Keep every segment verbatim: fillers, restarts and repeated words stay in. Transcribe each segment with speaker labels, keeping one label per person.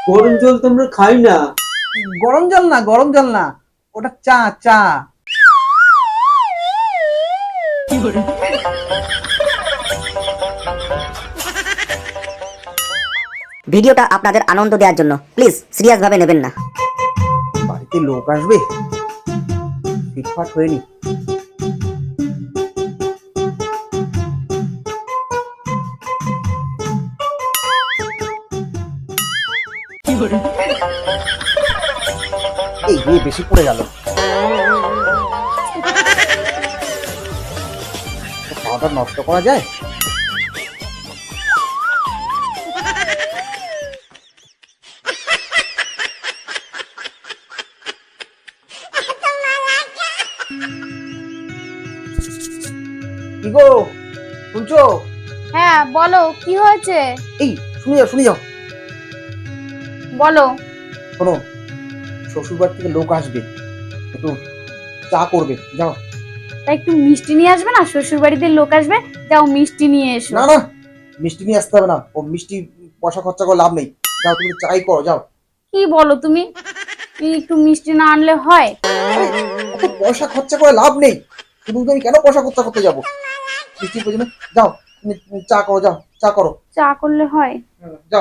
Speaker 1: গরম জল তো আমরা খাই না।
Speaker 2: গরম জল না, গরম জল না, ওটা চা চা।
Speaker 3: ভিডিওটা আপনাদের আনন্দ দেওয়ার জন্য প্লিজ সিরিয়াস ভাবে নেবেন না।
Speaker 2: বাড়িতে লোক আসবে, ফিটফাট হয়ে নি। এই বিয়ে বেশি পড়ে গেল। খাওয়াটা নষ্ট করা যায়? কি গো, শুনছো?
Speaker 4: হ্যাঁ বলো, কি হয়েছে?
Speaker 2: এই শুনে যাও শুনে যাও।
Speaker 4: বলো।
Speaker 2: শোনো, শ্বশুরবাড়ি থেকে লোক আসবে, একটু চা করবে, যাও।
Speaker 4: তা একটু মিষ্টি নিয়ে আসবে না? শ্বশুর বাড়িতে লোক আসবে, যাও মিষ্টি নিয়ে এসো।
Speaker 2: না না, মিষ্টি নিয়ে আসতে হবে না, ও মিষ্টি পয়সা খরচা করে লাভ নেই। যাও তুমি চাই করো, যাও।
Speaker 4: কি বলো তুমি? এই একটু মিষ্টি না আনলে হয়?
Speaker 2: অত পয়সা খরচা করে লাভ নেই, শুধু আমি কেন পয়সা খরচা করতে যাবো মিষ্টির পেছনে? যাও তুমি চা করো, যাও চা করো।
Speaker 4: চা করলে হয়?
Speaker 2: যাও।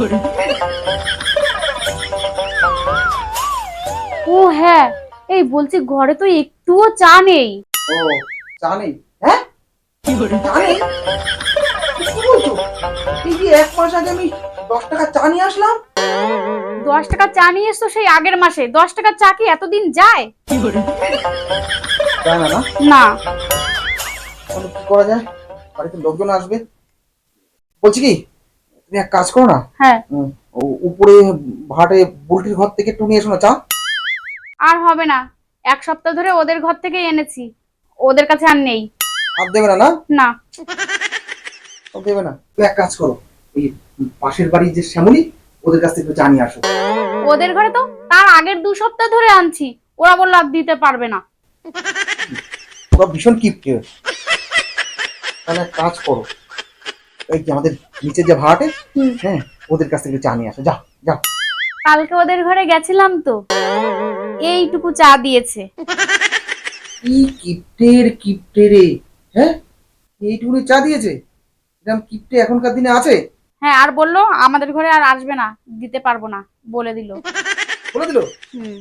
Speaker 4: ও হ্যাঁ, এই বলছি ঘরে তো একটুও চা নেই।
Speaker 2: ও চা নেই? হ্যাঁ চা নেই? কি বলছো? এই যে এক মাস আগে আমি দশ টাকা চা নিয়ে আসলাম।
Speaker 4: দশ টাকা চা নিয়ে এসছো সেই আগের মাসে। দশ টাকা চা কি এতদিন যায়?
Speaker 2: যায় না না?
Speaker 4: না।
Speaker 2: তাহলে কি করা যায়? বাড়িতে লোকজন আসবে। বলছি কি, তুমি এক কাজ করো না,
Speaker 4: হ্যাঁ।
Speaker 2: উম, ও- উপরে ভাড়াটে বুলটির ঘর থেকে একটু নিয়ে এসো না চা।
Speaker 4: আর হবে না, এক সপ্তাহ ধরে ওদের ঘর থেকেই এনেছি, ওদের কাছে আর নেই।
Speaker 2: আর দেবে না? না
Speaker 4: না।
Speaker 2: আর দেবে না? তুমি এক কাজ করো, এই পাশের বাড়ির যে শ্যামলী, ওদের কাছ থেকে একটু চা নিয়ে আসো।
Speaker 4: ওদের ঘরে তো তার আগের দু সপ্তাহ ধরে আনছি, ওরা বললো আর দিতে পারবে না।
Speaker 2: ওরা ভীষণ কিপটে। তাহলে এক কাজ করো, এই যে আমাদের নিচের যে ভাড়াটে,
Speaker 4: হুম।
Speaker 2: হ্যাঁ ওদের কাছ থেকে চা নিয়ে আসো, যাও যাও।
Speaker 4: কালকে ওদের ঘরে গেছিলাম তো, এইটুকু চা দিয়েছে।
Speaker 2: কি কিপটের কিপটে রে, হ্যাঁ এইটুকুনি চা দিয়েছে? এরকম কিপটে এখনকার দিনে আছে?
Speaker 4: হ্যাঁ, আর বললো আমাদের ঘরে আর আসবে না, দিতে পারবো না, বলে দিল।
Speaker 2: বলে দিল?
Speaker 4: হুম।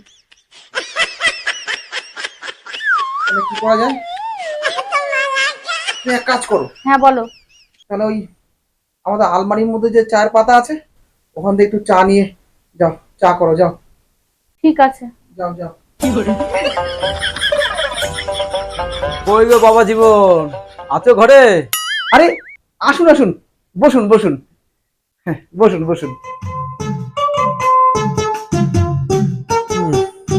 Speaker 2: তাহলে কি করা যায়? তুমি এক কাজ করো,
Speaker 4: হ্যাঁ বলো।
Speaker 2: তাহলে ওই আমাদের আলমারির মধ্যে যে চায়ের পাতা আছে, ওখান থেকে একটু চা নিয়ে যাও, চা করো, যাও
Speaker 4: ঠিক আছে।
Speaker 2: যাও যাও।
Speaker 1: কই গো বাবা জীবন, আছো ঘরে?
Speaker 2: আরে আসুন আসুন, বসুন বসুন, হ্যাঁ বসুন বসুন।
Speaker 1: হুম।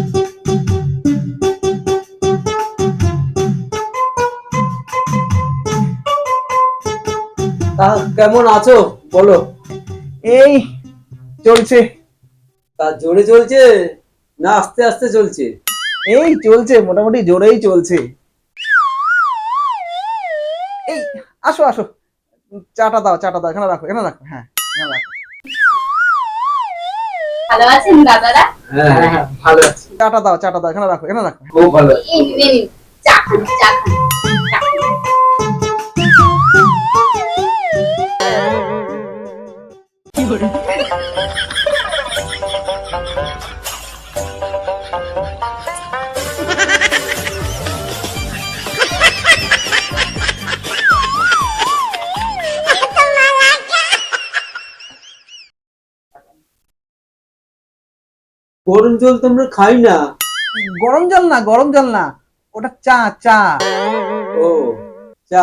Speaker 1: তা কেমন আছো বলো?
Speaker 2: এই চলছে।
Speaker 1: তা জোরে চলছে না আস্তে আস্তে চলছে?
Speaker 2: এই চলছে, মোটামুটি জোরেই চলছে। এই আসো আসো, চাটা দাও চাটা দাও, এখানে রাখো এখানে রাখো, হ্যাঁ এখানে রাখো।
Speaker 4: ভালো আছেন দাদারা?
Speaker 1: হ্যাঁ হ্যাঁ ভালো আছি।
Speaker 2: চাটা দাও চাটা দাও, এখানে রাখো এখানে রাখো।
Speaker 1: খুব ভালো।
Speaker 4: এই নিন, চা খান, চা খান, চা খান।
Speaker 1: গরম জল তো আমরা খাই না।
Speaker 2: গরম জল না, গরম জল না, ওটা চা চা।
Speaker 1: ও চা।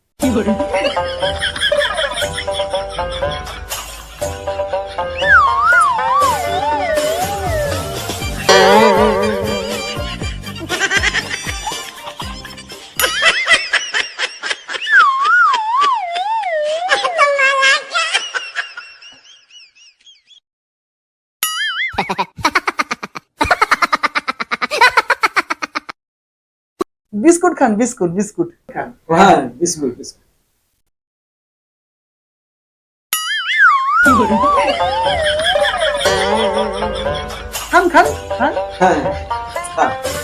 Speaker 2: বিস্কুট খান, বিস্কুট বিস্কুট খান।
Speaker 1: হ্যাঁ বিস্কুট বিস্কুট।
Speaker 2: খান খান খান
Speaker 1: হ্যাঁ খা।